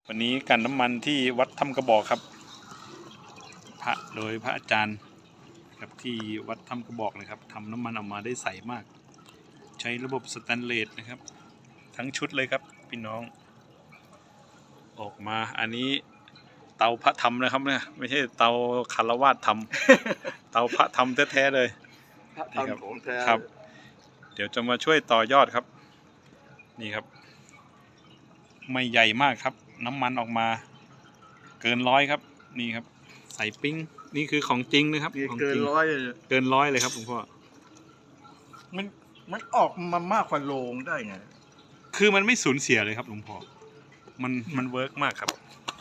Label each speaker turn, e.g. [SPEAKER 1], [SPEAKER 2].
[SPEAKER 1] วันนี้กันน้ำมันที่วัดถ้ำกระบอกครับโดยพระอาจารย์ครับที่วัดถ้ำกระบอกนะครับทำน้ำมันออกมาได้ใสมากใช้ระบบสแตนเลสนะครับทั้งชุดเลยครับพี่น้องออกมาอันนี้เตาพระธรรมนะครับเนี่ยไม่ใช่เตาคารวาสธรรม เตาพระธรรมแท้ๆเลยนี่ครับครับ เดี๋ยวจะมาช่วยต่อยอดครับนี่ครับไม่ใหญ่มากครับน้ำมันออกมาเกิน100ครับนี่ครับใส่ปิ้งนี่คือของจริงนะครับของจริงเกิน100เลยครับหลวงพ่อ
[SPEAKER 2] มันออกมามากกว่าโลงได้ไง
[SPEAKER 1] คือมันไม่สูญเสียเลยครับหลวงพ่อมันเวิร์กมากครับ